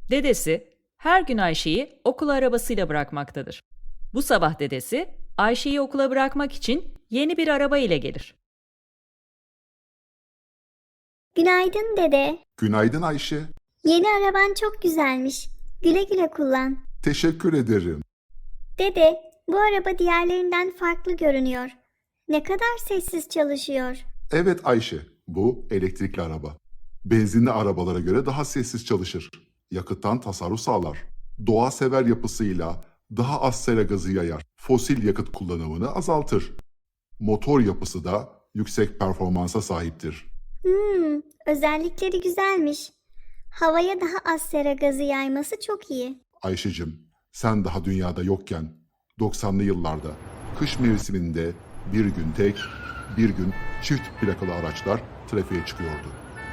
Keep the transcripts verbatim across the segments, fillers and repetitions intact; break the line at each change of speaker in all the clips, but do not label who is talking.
Dedesi her gün Ayşe'yi okul arabasıyla bırakmaktadır. Bu sabah dedesi Ayşe'yi okula bırakmak için yeni bir araba ile gelir.
Günaydın dede.
Günaydın Ayşe.
Yeni araban çok güzelmiş. Güle güle kullan.
Teşekkür ederim.
Dede, bu araba diğerlerinden farklı görünüyor. Ne kadar sessiz çalışıyor.
Evet Ayşe, bu elektrikli araba. Benzinli arabalara göre daha sessiz çalışır. Yakıttan tasarruf sağlar. Doğa sever yapısıyla daha az sera gazı yayar. Fosil yakıt kullanımını azaltır. Motor yapısı da yüksek performansa sahiptir.
Hmm, özellikleri güzelmiş. Havaya daha az sera gazı yayması çok iyi.
Ayşecim, sen daha dünyada yokken doksanlı yıllarda kış mevsiminde bir gün tek, bir gün çift plakalı araçlar trafiğe çıkıyordu.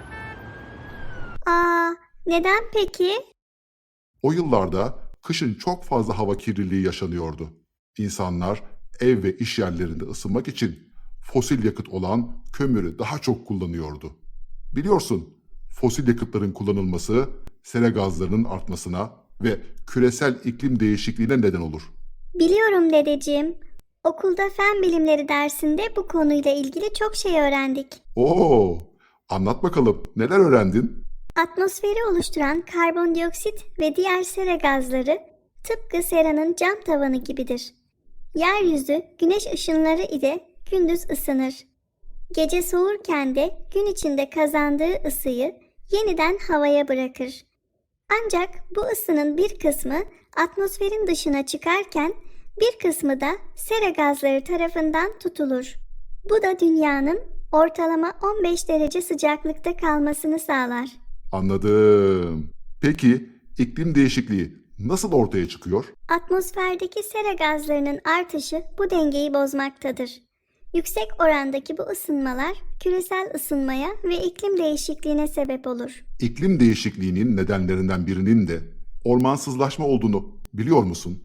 Aa, neden peki?
O yıllarda kışın çok fazla hava kirliliği yaşanıyordu. İnsanlar ev ve iş yerlerinde ısınmak için fosil yakıt olan kömürü daha çok kullanıyordu. Biliyorsun, fosil yakıtların kullanılması sera gazlarının artmasına ve küresel iklim değişikliğine neden olur.
Biliyorum dedeciğim. Okulda fen bilimleri dersinde bu konuyla ilgili çok şey öğrendik.
Oo, anlat bakalım, neler öğrendin?
Atmosferi oluşturan karbondioksit ve diğer sera gazları tıpkı seranın cam tavanı gibidir. Yeryüzü güneş ışınları ile gündüz ısınır. Gece soğurken de gün içinde kazandığı ısıyı yeniden havaya bırakır. Ancak bu ısının bir kısmı atmosferin dışına çıkarken bir kısmı da sera gazları tarafından tutulur. Bu da dünyanın ortalama on beş derece sıcaklıkta kalmasını sağlar.
Anladım. Peki iklim değişikliği nasıl ortaya çıkıyor?
Atmosferdeki sera gazlarının artışı bu dengeyi bozmaktadır. Yüksek orandaki bu ısınmalar küresel ısınmaya ve iklim değişikliğine sebep olur.
İklim değişikliğinin nedenlerinden birinin de ormansızlaşma olduğunu biliyor musun?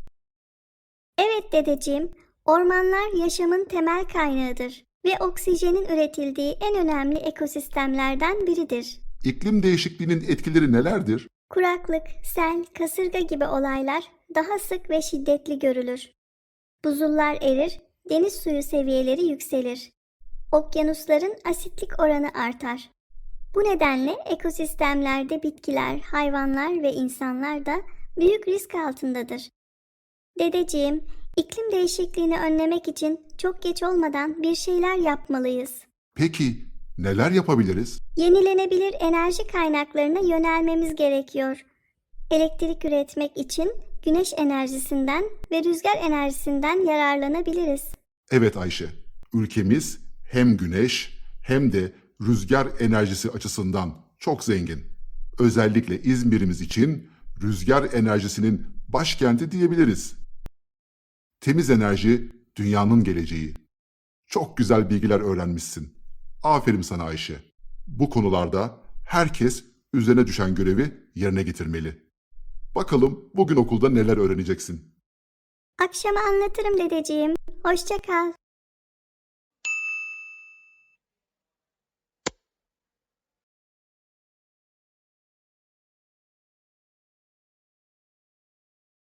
Evet dedeciğim, ormanlar yaşamın temel kaynağıdır ve oksijenin üretildiği en önemli ekosistemlerden biridir.
İklim değişikliğinin etkileri nelerdir?
Kuraklık, sel, kasırga gibi olaylar daha sık ve şiddetli görülür. Buzullar erir, deniz suyu seviyeleri yükselir. Okyanusların asitlik oranı artar. Bu nedenle ekosistemlerde bitkiler, hayvanlar ve insanlar da büyük risk altındadır. Dedeciğim, iklim değişikliğini önlemek için çok geç olmadan bir şeyler yapmalıyız.
Peki neler yapabiliriz?
Yenilenebilir enerji kaynaklarına yönelmemiz gerekiyor. Elektrik üretmek için güneş enerjisinden ve rüzgar enerjisinden yararlanabiliriz.
Evet Ayşe, ülkemiz hem güneş hem de rüzgar enerjisi açısından çok zengin. Özellikle İzmir'imiz için rüzgar enerjisinin başkenti diyebiliriz. Temiz enerji dünyanın geleceği. Çok güzel bilgiler öğrenmişsin. Aferin sana Ayşe. Bu konularda herkes üzerine düşen görevi yerine getirmeli. Bakalım bugün okulda neler öğreneceksin?
Akşama anlatırım dedeciğim. Hoşça kal.